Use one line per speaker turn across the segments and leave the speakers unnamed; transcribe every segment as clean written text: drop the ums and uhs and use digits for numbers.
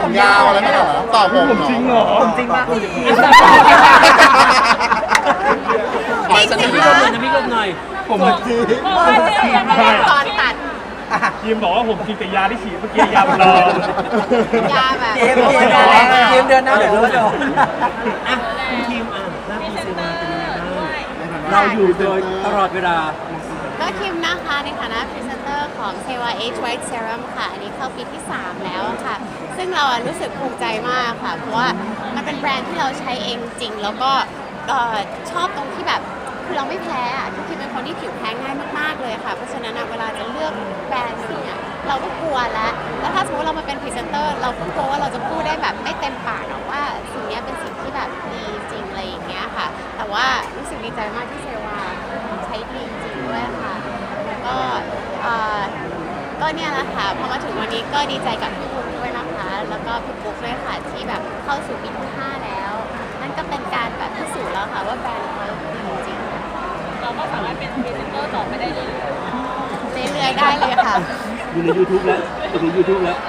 ผมยาวอะไรไม่หรอต่อผมจริงเหรอ
ผมจริงป่ะ
ไปฉัน
พี่
ไม่
ล
รู้
มหน่อยนะพี่ลมหน่อย
ผมจริง
ตอนตัด
ยิมบอกว่าผมกินแต่ยาที่ฉีดเมื่อกี้ยามันรอย
าแบบ
เกมเดือนหน้าเดี๋ยวรู้ว่าจะ
อ่ะคุณทีมหน้าพีซีมาเป็นยังไงบ้างเราอยู่โดยตลอดเวลา
ก็คิมนะคะในฐานะพรีเซนเตอร์ของ Seva Age White Serum ค่ะ อันนี้เข้าปีที่ 3 แล้วค่ะ ซึ่งเรารู้สึกภูมิใจมากค่ะ เพราะว่ามันเป็นแบรนด์ที่เราใช้เองจริง แล้วก็ชอบตรงที่แบบคือเราไม่แพ้อะคือคิมเป็นคนที่ผิวแพ้ง่ายมากๆเลยค่ะ เพราะฉะนั้นเวลาจะเลือกแบรนด์หนึ่งเราก็กลัวแล้วถ้าสมมติเรามาเป็นพรีเซนเตอร์เราก็กลัวว่าเราจะพูดได้แบบไม่เต็มปากว่าสิ่งนี้เป็นสิ่งที่แบบดีจริงอะไรอย่างเงี้ยค่ะ แต่ว่ารู้สึกดีใจมากที่เซวาใช้ดีจริงด้วยค่ะแล้วก็เนี่ยแหละค่ะพอมาถึงวันนี้ก็ดีใจกับพี่บุ๊กด้วยนะคะแล้วก็พี่บุ๊กด้วยค่ะที่แบบเข้าสู่ปีที่ 5 แล้วนั่นก็เป็นการแบบพิสูจน์แล้วค่ะว่าแบรนด์เขาดีจริงเราก็สามารถเป็นพรีเซนเตอร์ต่อไปได้เรื่อยๆได้เลยค่ะ
อยู่ใน YouTube แล้วอยู่ใน YouTube แล้ว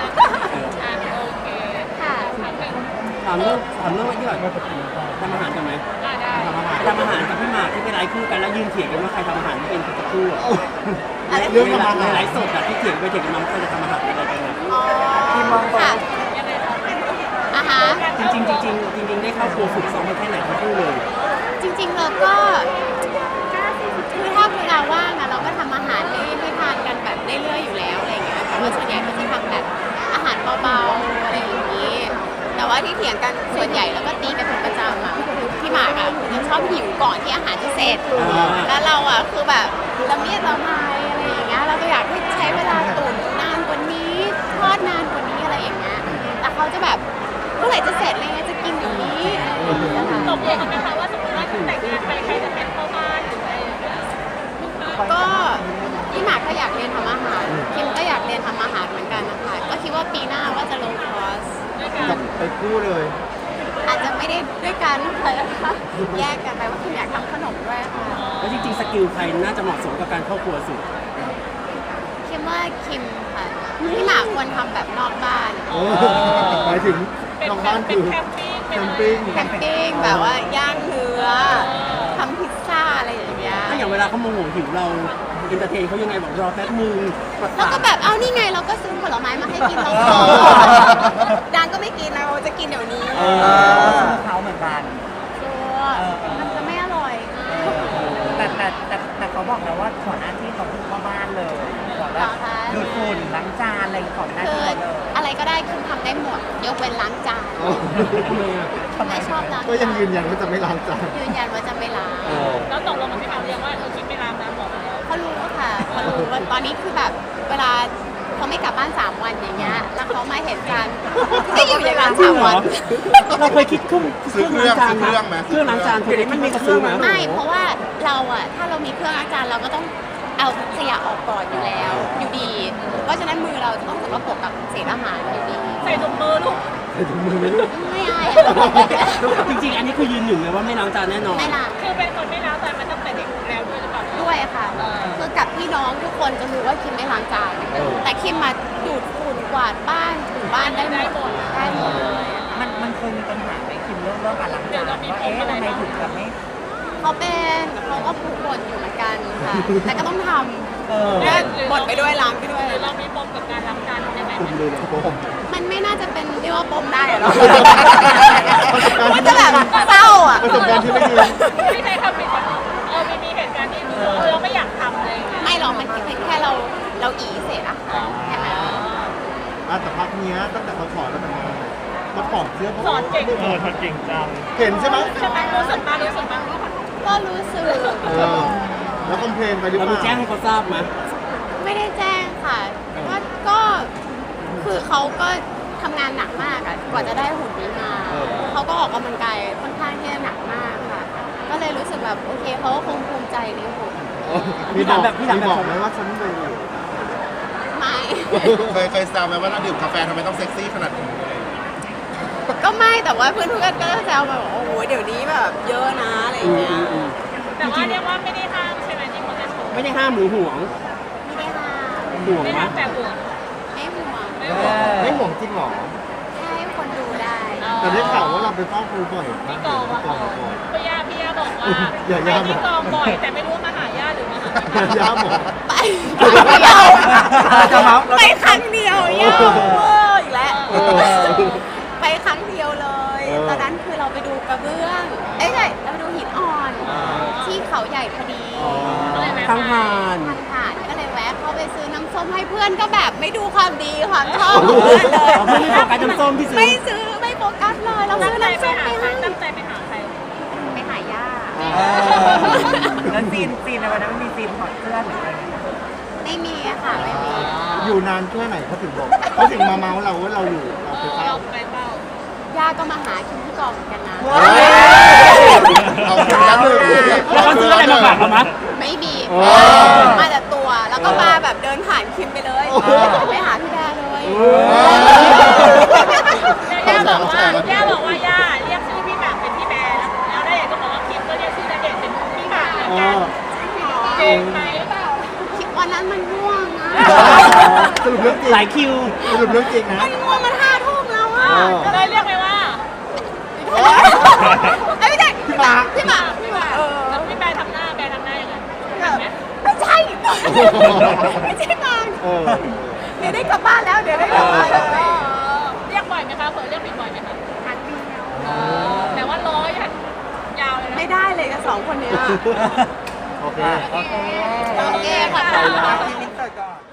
ค่ะ
ถามเรื่องอะไรที่หน่อยทำอาหารกันไหมทำอาหารกับพี่หมากที่เป็นไลฟ์คู่กันแล้วยืนเถียงกันว่าใครทำอาหารไม่เป็นสักคู่อะ
เรื่องทำอาหาร
ในไลฟ์สดอะที่เถียงไปเถียงกันมาว่าใครจะทำอาหารอะไรกันอะ
อ๋อค่ะอ่ะฮะ
จริงได้เข้าครัวฝึกซ้อมมาแค่ไหนทั้งคู่เลย
จริงๆเราก็คือถ้าเวลาว่างเราก็ทำอาหารให้ทานกันแบบเรื่อยๆอยู่แล้วอะไรอย่างเงี้ยแต่ว่าส่วนใหญ่ก็จะทำแบบอาหารเบาๆอะไรอย่างนี้ แต่ว่าที่เถียงกันส่วนใหญ่แล้วก็ตีกันเป็นประจำคือพี่หมากคือจะชอบหิวก่อนที่อาหารจะเสร็จ แล้วเราคือแบบละเมียดละไมอะไรอย่างเงี้ยเราก็อยากให้ใช้เวลาตุ๋นนานกว่านี้ทอดนานกว่านี้อะไรอย่างเงี้ยแต่เขาจะแบบเมื่อไหร่จะเสร็จอะไรเงี้ยจะกินอย่างนี้อะไรอย่างเงี้ยค่ะ
ตกลงกันไหมคะว่าสมมติว่าแต่งงานไปใครจะเป็นพ่อบ้านหรืออะไรอย่างเงี้ย
ก็พี่หมากก็อยากเรียนทำอาหารคิมก็อยากเรียนทำอาหารเหมือนกันนะคะก็คิดว่าปีหน้าว่าจะลงคอร์ส
จับไปคู่เลย
อาจจะไม่ได้ด้วยกันนะคะแยกกันไปว่าคิมอยากทำขนมด้วยค่ะ
แล้วจริงๆสกิลใครน่าจะเหมาะสมกับการเข้าครัวสุด
คิมว่าคิมค่ะพี่หมากควรทำแบบนอกบ้าน
หมายถึงน้องบ้านคือ
แคมปิ้ง
แคมปิ้ง
แคมปิ้งแบบว่าย่างเนื้อทำพิซซ่าอะไรอย่างเงี้ย
ถ้าอย่างเวลาเขาโมโหหิวเราเอนเตอร์เทนเขายังไงบอกรอแป๊บนึง
แล้วก็แบบเอานี่ไงเราก็ซื้อผลไม้มาให้กินเราดานก็ไม่กินนะเราจะกินเดี๋ยวนี้
เขาเหมือนกัน
มันจะไม่อร่อย
แต่เขาบอกแล้วว่าขอหน้าที่เขาคือพ่อบ้านเลยขอแบบดูดฝุ่นล้างจานอะไรของหน้า
คือ
ที่เลย
อะไรก็ได้คิมทำได้หมดยกเว้นล้างจาน
ทำไมอ่ะ
ไม่ชอบล้าง
ก็ยังยืนยันว่าจะไม่ล้างจาน
ยืนยันว่าจะไม่ล้าง
แล้วตกลงกับพี่หมากเรียกว่าคิดไม่รามน้ำบอกแล้ว
เขารู้ค่ะเขารู้ว่าตอนนี้คือแบบเวลาเขาไม่กลับบ้าน3 วันอย่างเงี้ยแล้วเขามาเห็นจานก็อยู่อย่างนั้น3 วัน
เราเคยคิดเครื่องล้างจานไหมเครื่องล้างจานเคยได้มันมีกระซื้อไหม
ไม่เพราะว่าเราถ้าเรามีเครื่องล้างจานเราก็ต้องเอาขยะออกก่อนอยู่แล้วอยู่ดี เพราะฉะนั้นมือเราจะต้องสกปรกกับเศษอาหารอยู่ดี
ใส่ถุงมือลูก
ไม่อาย
จริงๆ อันนี้คือยืนหนึ่งเลยว่าไม่ล้างจานแน่นอน
ไม่ล้าง
คือเป็นคนไม่ล้างจานมาตั้งแต่เด็กแล้วด้วยหรือเปล่า
ด้วยค่ะ คือกับพี่น้องทุกคนจะรู้ว่าคิมไม่ล้างจาน แต่คิมมาดูดฝุ่นกวาดบ้านถูบ้านได้หมดได้หมดเลย
มันเคยมีปัญหาไหมคิมเรื่องการล้างจานว่าทำไมถึงแบบไม่
เขาเป็นเขาก็ผูกบ่นอยู่เหมือนกันค่ะ แต่ก็ต้องทำแล้วบ่นไปด้วยล้างไปด้วย
หรือเรามีปมกับการล้างจานยังไง
คุณเลยนะผม
มันไม่น่าจะเป็นเรียกว่าปมได้หรอกมันจะแบบเศร้าอ่ะ
ประสบการณ์ที่ไม่ดี
ที่ใช้คำผิดมีเหตุการณ์ที่เราไม่อยากทำเลย
ไม่หรอกมันเป็นแค่เราอีเสร็จอะแค่นั้น
แต่พักเนี้ยตั้งแต่เขาถอดแล้วมันมาถอดเสื้อ
สอนเก่ง
ทำเก่งจัง
เห็นใช่ไหม
ใช่ไหมรู้สึกมารู้สึกมา
ก็รู้สึก
แล้วคอมเพลนไปหรือ
เรา
เป
มี
ล่า
แจ้งให้เขาทราบไหม
ไม่ได้แจ้งค่ะก็คือเขาก็ทำงานหนักมากอะกว่าจะได้หุ่นนี้มา เขาก็ออกกำลังกายค่อนข้างที่จะหนักมากค่ะ ก็เลยรู้สึกแบบโอเคเขาก็คงภูมิใจในหุ่น
มีบอกไหมว่าฉันเป็นอยู่
ไม่
เคยแซวไหมว่าเราดื่มกาแฟทำไมต้องเซ็กซี่ขนาดนี้
ก็ไม่แต่ว่าเพื่อนๆก็แซวแบบโอ้โหเดี๋ยวนี้แบบเยอะนะอะไรอย่างเงี้ย
แต่ว่าเรียกว่าไม่ได้ห้ามใช่ไหมที่คนจะชม
ไม่ได้ห้ามหรือห่วง
ไม่ได้ห้าม
ห่วง
ไม่
ไหม
ห้ามแต่ห่วง
ไม่ห่วง
ไม่ห่วงจริงหรอ
ใช่ห
แต่ได้ข่าวว่าเราไปเฝ้าครูบ่อย
ที่กองอะ
กองบ่อย
พี่ย่าบอกว่า
อย่า
ไป
ย่า
ที่กองบ่อยแต่ไม่รู้ว่ามาหาย่าหรือมาหาพี่
ย่าบอก
ไปครั้งเดียว
จะเมาส์
ไปครั้งเดียวเยอะเวอร์อีกแล้ว
เออ
ไปครั้งเดียวเลย ตอนนั้นคือเราไปดูกระเบื้อง เอ้ยใช่เราไปดูหินอ่อน ที่เขาใหญ่พอดี
ก็เลยแวะ
ทาง
ไป
ผ่าน
ทางผ่านก็เลยแวะเข้าไปซื้อน้ำส้มให้เพื่อนก็แบบไม่ดูความดีความชอบของเพื่อนเลย
อ๋อเพื่อนไม่โฟกัสน้ำส้มที่ซื้อ
ไม่ซื้อไม่โฟกัสเลยเรา
ตั้
ซื้
ง
อ
ใจ
น้ำ
ไป
ส้ม
หา
ไป
ใคร
ให้
ตั้งใจไปหาใคร
ไปหาย่า
แล้วซีนในวันนั้นมันมีซีนถอดเสื้อหรืออะไรอย่างเงี้ย
ไม่มีอะค่ะไม่มี
อยู่นานแค่ไหนเขาถึงบอกเขาถึงมาเมาส์เราว่าเราอยู่เราไปเฝ้า
เราไปเฝ้า
ย่าก็มาหาคิมที่กองเหมือนกันนะ
เอาไปแล้วเลย
แล้วเขาซื้ออะไรมาฝากเรามั้ย
ไม่มี
โอ้
มาแต่ตัวแล้วก็มาแบบเดินผ่านคิมไปเลยไปหาพี่แบร์เลย
ย่าบอกว่าย่าเรียกชื่อพี่หมากเป็นพี่แบร์แล้วณเดชน์ก็บอกว่าคิมก็เรียกชื่อณเดชน์เป็นพี่หมากเหมือนกันจริงไหมเปล่า
คิดวันนั้นมันง่วงนะ
สรุปเรื่องจริง
หลายคิว
สรุปเรื่องจริงนะ
มันง่วงมัน5 ทุ่มแล้วอ่ะ
ก็เลยเรียกไปว่า
เอ้ยไม่ใช่
พี่หมาก
พี่หมาก
แล้วพี่แบร์ทำหน้ายังไงเห็นไหม
ไม่ใช่ไม่ใช่หมาก
เออ
เดี๋ยวได้กลับบ้านแล้วเดี๋ยวได้กลับบ้านแล้ว
เรียกบ่อยไหมคะเผลอเรียกผิดบ่อยไหมคะ
หันเดียว
แต่ว่าร้อยยาวเลยนะ
ไม่ได้เลยกับ2 คนเนี้ย
โอเค
โอเค
โอเคขอบคุณค่ะ
ทีมมินเตอร์ก่อน